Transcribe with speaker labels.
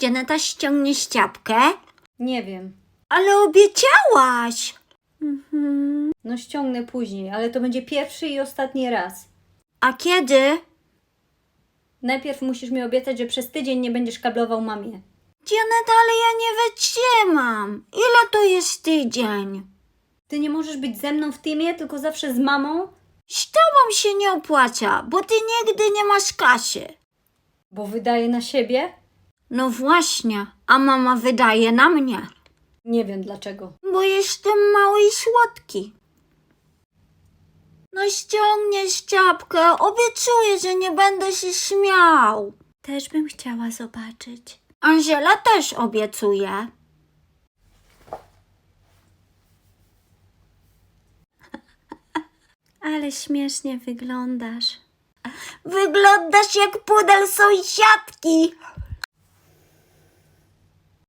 Speaker 1: Janeta, ściągniesz czapkę?
Speaker 2: Nie wiem.
Speaker 1: Ale obiecałaś.
Speaker 2: No ściągnę później, ale to będzie pierwszy i ostatni raz.
Speaker 1: A kiedy?
Speaker 2: Najpierw musisz mi obiecać, że przez tydzień nie będziesz kablował mamie.
Speaker 1: Janeta, ale ja nie wytrzymam. Ile to jest tydzień?
Speaker 2: Ty nie możesz być ze mną w teamie, tylko zawsze z mamą?
Speaker 1: Z tobą się nie opłaca, bo ty nigdy nie masz kasy.
Speaker 2: Bo wydaje na siebie?
Speaker 1: No właśnie, a mama wydaje na mnie.
Speaker 2: Nie wiem dlaczego.
Speaker 1: Bo jestem mały i słodki. No ściągniesz czapkę, obiecuję, że nie będę się śmiał. Też bym chciała zobaczyć. Angela też obiecuje. Ale śmiesznie wyglądasz. Wyglądasz jak pudel sąsiadki.